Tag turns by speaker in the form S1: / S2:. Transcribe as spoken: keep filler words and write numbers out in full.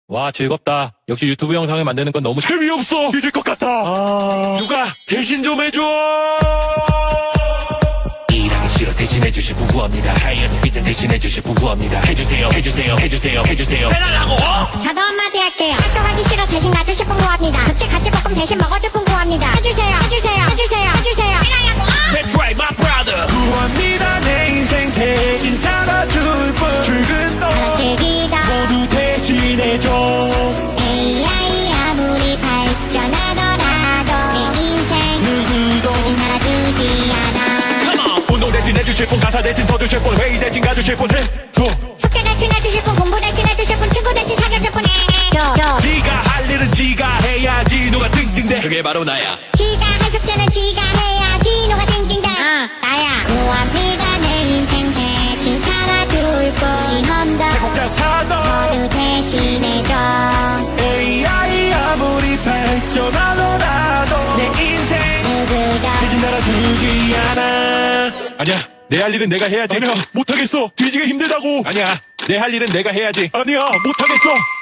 S1: 와, 즐겁다. 역시 유튜브 영상을 만드는 건 너무 재미없어. 뒤질 것 같아. 아... 누가 대신 좀 해줘. 일하기 싫어 대신해주실 분 구합니다. 하이어트 비전 대신해주실 분 구합니다. 해주세요 해주세요 해주세요 해주세요 해달라고.
S2: 저도 한마디 할게요. 학교 가기 싫어 대신 가주실 분 구합니다. 급식 같이 볶음 대신 먹어줄 분 구합니다. 해주세요 해주세요 해주세요 해주세요 해달라고.
S1: That's right my brother. 구합니다. 내 인생 대신 살아줄 분. 출근도
S2: 하나씩이다
S1: 모두 대신해줘.
S2: 에이아이 아무리 발전하더라도 내 인생
S1: 누구도
S2: 대신 살아주지 않아.
S1: Come on. 운동 대신 해주실 분, 가사 대신 서주실 분, 회의 대신 가주실 분 해줘.
S2: 숙제 대신 해주실 분, 공부 대신 해주실 분, 친구 대신 사귀어줄 분 해줘.
S1: 지가 할 일은 지가 해야지. 누가 찡찡대. 그게 바로 나야.
S2: 지가 할 숙제는 지가 해야지. 누가 징징대. 아 나야. 구합니다. 내 인생 대신 살아줄 분. 임원도
S1: 제국자 사도
S2: 모두 대신해줘.
S1: 에이아이 아무리 발전하더라도 내 인생
S2: 누구도
S1: 대신 달아주지 않아. 아니야, 내 할 일은 내가 해야지. 아니야, 못하겠어. 뒤지기 힘들다고. 아니야, 내 할 일은 내가 해야지. 아니야, 못하겠어.